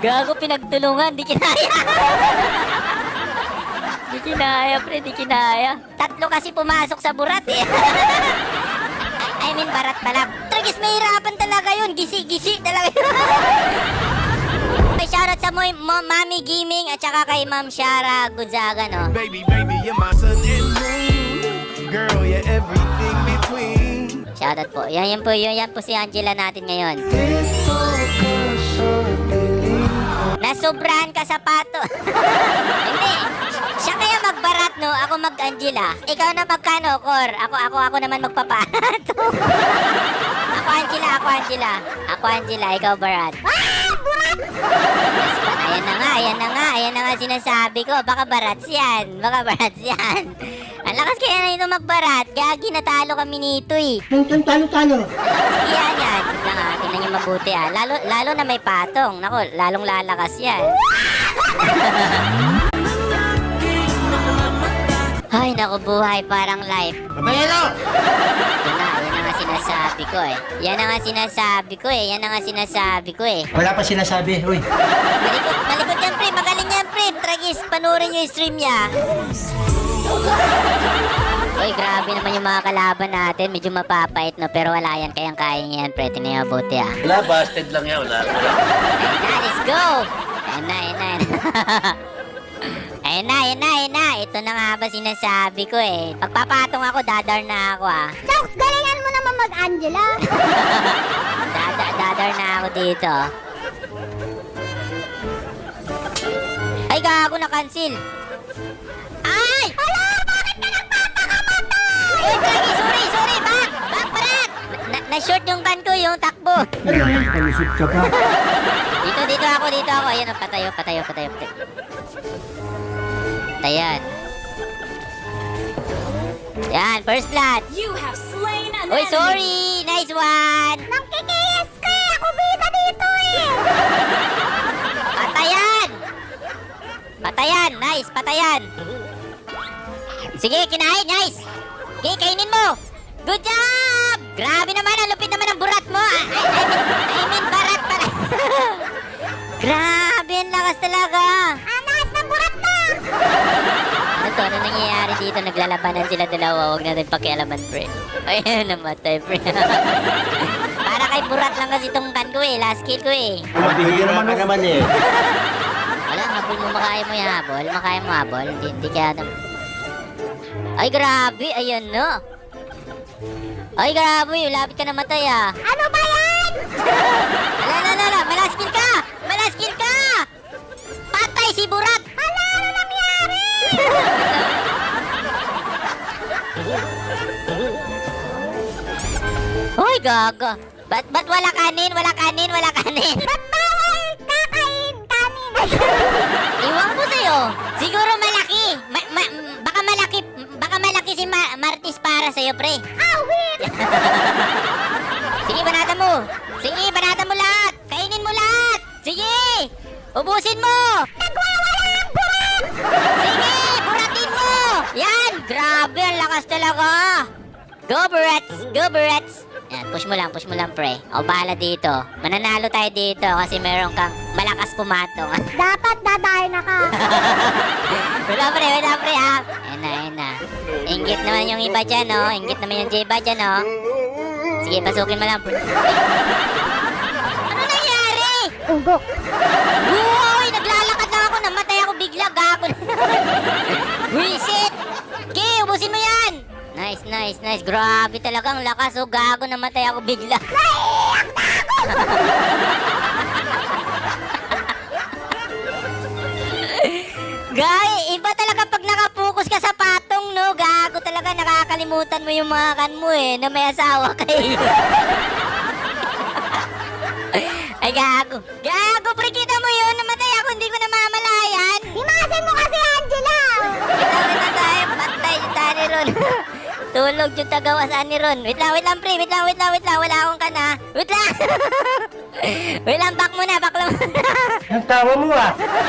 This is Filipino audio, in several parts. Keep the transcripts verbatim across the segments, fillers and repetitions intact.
Gago, pinagtulungan, di kinaya. Di kinaya, pre, di kinaya. Tatlo kasi pumasok sa burat eh. I mean, barat pala. Tragis, mahirapan talaga yun. Gisi-gisi talaga yun. May shoutout sa mo, mo, Mami Gaming at saka kay Ma'am Shara Gonzaga, no? Baby, baby, you're my sun and moon. Girl, you're everything between. Shoutout po. Yan, yan po, yan, yan po si Angela natin ngayon. Nasobrahan ka sa pato. Hindi. Siya kaya magbarat, no? Ako mag-Angela. Ikaw na magkano, Cor? Ako, ako, ako naman magpapato. Ako Angela, ako Angela. Ako Angela, ikaw barat. Ah! Barat! Ayan na nga, ayan na nga, ayan na nga sinasabi ko. Baka barats yan. Baka barats yan. Ang lakas kaya na ito magbarat. Gagi, natalo kami nito eh. Talo-talo. Yan, yan. Tignan nga, tignan nyo mabuti ah. Lalo, lalo na may patong. Naku, lalong lalakas yan. Ay, naku, buhay parang life. Babayero! Yan na, yan na nga sinasabi ko eh. Yan na nga sinasabi ko eh. Yan na nga sinasabi ko eh. Wala pa sinasabi. Uy. Malikot, malikot yan, pre. Magaling yan, pre. Tragis, panurin nyo yung stream niya. Uy, grabe naman yung mga kalaban natin. Medyo mapapait, no? Pero wala yan. Kayang-kaya niya yan, pre. Tingnan mo mabuti, ah. Wala, busted lang yan. Wala. Ayun na, let's go! Ayun na, ayun na, ayun na. Ayun na, ayun na, ayun na. Ito na nga ba sinasabi ko eh. Pagpapatong ako, dadar na ako, ah. Chokes, galingan mo naman mag-Angela. Dada, dadar na ako dito. Ay, gago na cancel. Ay! Hala, bakit ka nagpapakamatay? Uy, Draggy, sorry, sorry, back! Back, parat! Na, na-short yung kan ko, yung takbo. Ano yan? Palusot ka pa. Dito, dito ako, dito ako. Ayan, oh, patayo, patayo, patayo, patayo. Ayan. Yan, first blood. You have slain an Uy, sorry! Nice one! Nangkikis ka eh! Ako bida dito eh! Patayan! Patayan! Nice! Patayan! Sige, kinain! Nice! Okay, kainin mo! Good job! Grabe naman! Ang lupit naman ang burat mo! I, I, I, mean, I mean, barat pala! Grabe! Ang lakas talaga! Anas na burat na! Ano to? Ano nangyayari dito? Naglalabanan sila dalawa. Huwag natin pakialaman, pre. Ayun, namatay, pre. Para kay burat lang kasi itong kan ko eh. Last kill ko eh. Mabihira ka naman eh. Wala, habol mo, makaya mo yung habol. Makaya mo habol. Hindi, hindi kaya... Ay, grabe. Ayan no. Ay, grabe. Lapit ka namatay ah. Ano ba yan? Ala, ala, ala. Malas kill ka! Malas kill ka! Patay si burat! Hala, ano nangyari? Hoy, gaga. Ba't, ba't wala kanin? Wala kanin? Wala kanin? Ba't bawal kakain kanin? Iwan ko sa'yo. Siguro malaki. Ma- ma- baka malaki. Baka malaki si Ma- Martis para sa'yo, pre. Awit! Sige, banatan mo. Sige, banatan mo lahat. Kainin mo lahat. Sige. Ubusin mo. Nagwawala ang burat! Sige, buratin mo. Yan. Grabe, ang lakas talaga. Go, Burats. Go, Burats. Yan, push mo lang, push mo lang, pre. O, bahala dito. Mananalo tayo dito kasi meron kang malakas pumatong. Dapat dadahin na ka. Wala, pre, wala, pre, ha? Ayan na, ayan na. Inggit naman yung iba dyan, no? Inggit naman yung J-Ba dyan, no? Sige, pasukin mo lang, pre. Ano nangyari? Ugok. Uy, naglalakad lang ako. Namatay ako bigla. Gago na. Wisit. Okay, ubusin mo yan. Nice, nice, nice. Grabe talaga ang lakas. Oh, gago. Namatay ako bigla. Gay, iba talaga pag nakapokus ka sa patong, no? Gago talaga. Nakakalimutan mo yung mga kan mo, eh. Na may asawa kayo. Ay, gago. Gago, pre, kita mo yun. Namatay ako, hindi ko namamalayan. Imasin mo kasi, Angela! Wait na tayo, patay yung tani ron. Tulog yung tagawasan ni Ron. Wait lang, wait lang, pre. Wait lang, wait lang, wait lang. Wala akong kana. Wait lang. Wait lang, back muna, back lang muna. Ang tawa mo ah.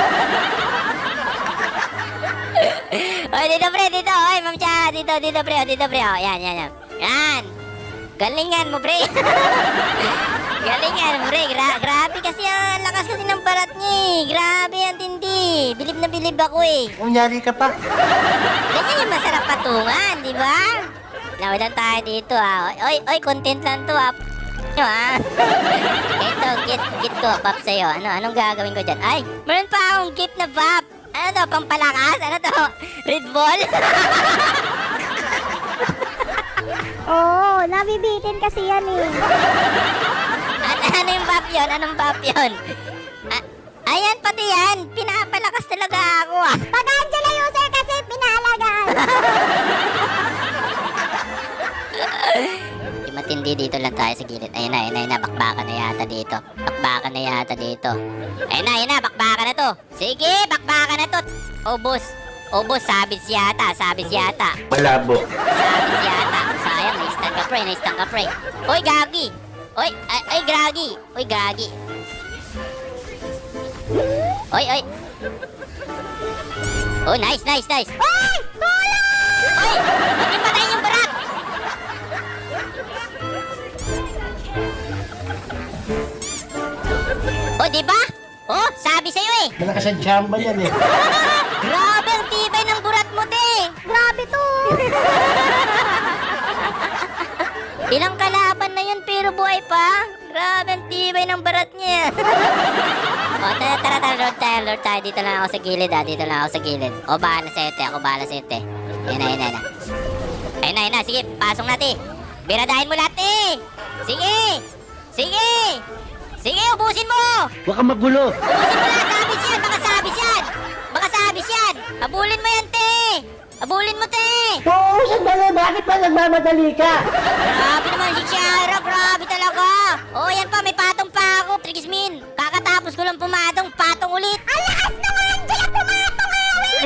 Oy, dito, pre, dito. Oy, ma'am Cha, dito, dito, pre. Oh, dito, pre. Oh, yan, yan, yan. Yan. Galingan mo, pre. Galingan mo, pre. Gra grabe kasi ang lakas kasi ng barat niya eh. Grabe, ang tindi. Bilib na bilib ako eh. Kunyari ka pa. Ganyan yung masarap patungan, di ba? Nawalan tayo dito ah. Oy, oy, content lang to ah. Nyo ah. Ito, gift, gift ko, pop sa'yo. Ano, anong gagawin ko dyan? Ay, meron pa akong gift na pop. Ano to, pampalakas? Ano to? Red Bull? Oo, nabibitin kasi yan eh. ano, ano yung pop yun? Anong pop yun? A- ayan, pati yan. Pinapalakas talaga ako ah. Pag Angela user kasi pinaalagaan. Di matindi, dito lang tayo sa gilid. Ayun na, ayun na, ayun na. Bakbakan na yata dito. Bakbakan na yata dito. Ayun na, ayun na. Bakbakan na to. Sige, bakbakan na to. Ubus. Ubus, sabis yata. Sabis yata. Malabo. Sabis yata. Sayang, na-stun ka pre, na-stun ka pre. Uy, gagi. Uy, ay, ay, gagi. Uy, gagi. Uy, uy. Oh, nice, nice, nice. Ay! Tulong! Uy, huwag yung patayin yung barak. Oh, di ba? Oh, sabi sa'yo eh. Malakas ang chamba yan eh. Grabe ang tibay ng burat mo, te. Grabe to. Ilang kalaban na yun pero buhay pa. Grabe ang tibay ng barat niya. O, tara, tara, tara, Lord tayo, Lord tayo. Dito lang ako sa gilid, ha. Dito lang ako sa gilid. O, bahala sa'yo, te. Ako bahala sa'yo, te. Ayun na, ayun na, ayun na. Ayun na, ayun na. Sige, pasok na, te. Biradahin mo lahat, te. Sige. Sige. Sige, ubusin mo. Huwag kang magulo. Ubusin mo lahat. Sabis yan. Baka sabis yan. Baka sabis yan. Habulin mo yan, te. Habulin mo, te. Oo, sandali. Bakit ba nagmamadali ka? Grabe naman si Chiara, grabe talaga. Oh, yan pa, may patong pa ako. Trigismin, kakatapos ko lang pumatong, patong ulit. Ang lakas naman, Angela, pumatong awit.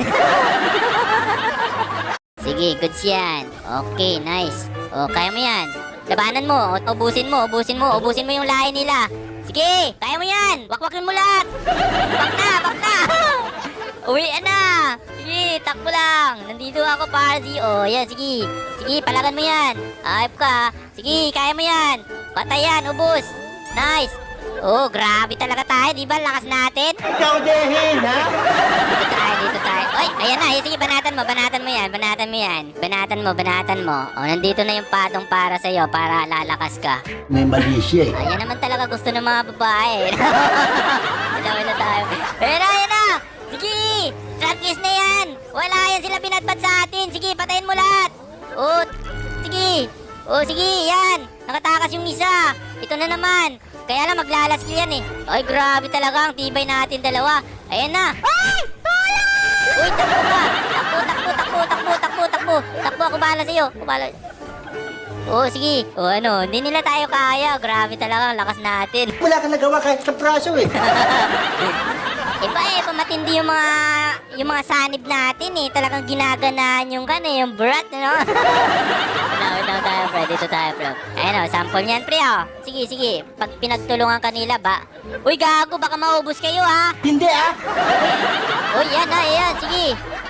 Sige, goods yan. Okay, nice. Oh, kaya mo yan. Labanan mo, o, ubusin mo, ubusin mo, ubusin mo yung lahi nila. Sige, kaya mo yan. Wakwakin mo lahat. Bak na, bak na. Uwian na. Sige, takbo lang. Nandito ako para si... Oh, yan, sige. Sige, palagan mo yan. Ayop ka. Sige, kaya mo yan. Patay yan, ubos. Nice. Oh, grabe talaga tayo. Di ba? Lakas natin. Ikaw dehin, ha? Dito tayo, dito tayo. Oy, ayan na. Sige, banatan mo, banatan mo yan. Banatan mo yan. Banatan mo, banatan mo. Oh, nandito na yung patong para sa'yo para lalakas ka. May mali siya eh. Ayan naman talaga gusto ng mga babae. Dalawa na tayo. Ayan na, ayan na. Sige, tracklist na yan. Wala yan sila binatbat sa atin. Sige, patayin mo lahat. Oh, sige. Oh, sige, yan. Nakatakas yung isa. Ito na naman. Kaya lang maglalaskill yan eh. Ay, grabe talaga ang tibay natin dalawa. Ayan na. Ay! Tulong! Uy, takbo ka. Takbo, takbo, takbo, takbo, takbo, takbo. Takbo, ako bahala sa'yo. Ako bahala. Oh, sige. Oh, ano, hindi nila tayo kaya. Grabe talaga ang lakas natin. Wala kang nagawa kahit sa praso eh. Iba eh, pamatindi yung mga yung mga sanib natin eh. Talagang ginaganahan yung kan eh, yung brat, ano? Wala, wala tayo, pre. Dito tayo, bro. Ayun o, sample niyan, pre, oh. Sige, sige. Pag pinagtulungan kanila ba? Uy, gago, baka maubos kayo, ha? Hindi ah. Uy, yan, ha, yan. Sige.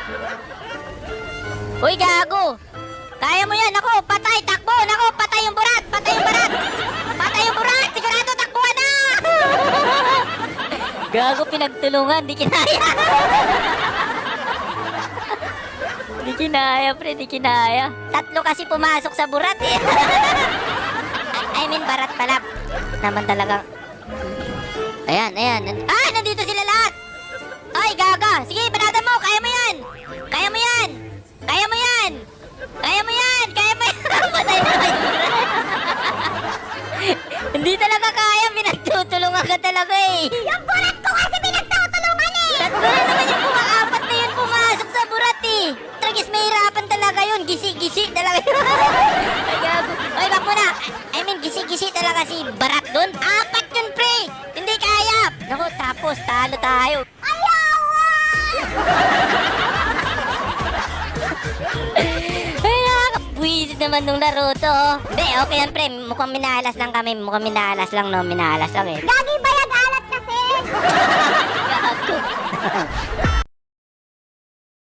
Uy, gago. Kaya mo yan. Ako, patay, takbo. Nako, patay yung burat. Patay yung burat. Patay yung burat. Sigurado, takbuhan na. Gago, pinagtulungan. Di kinaya. Di kinaya, pre. Di kinaya. Tatlo kasi pumasok sa burat, eh. I mean, barat pala. Naman talagang... Ayan, ayan. Ah, nandito sila lahat. Ay, gaga. Sige, banatan mo. Kaya mo yan. Kaya mo yan. Kaya mo yan. Kaya mo yan. Kaya mo yan. Patay na kayo. Hindi talaga kaya. Pinagtutulungan ka talaga eh. Yung burat ko kasi pinagtutulungan eh! Tatlo na naman yung pumaapat na yun pumasok sa burat eh. Tragis, mahirapan talaga yun. Gisi-gisi talaga yun. Ay, gago. Ay, bak mo na. I mean, gisi-gisi talaga si barat doon. Apat yun, pre. Hindi kaya. Naku, tapos talo tayo. Ay, nakakabwisit naman nung laro to. Hindi, okay yan, pre. Mukhang minalas lang kami. Mukhang minalas lang, no? Minalas lang eh. Gagi bayag alat kasi! Gago.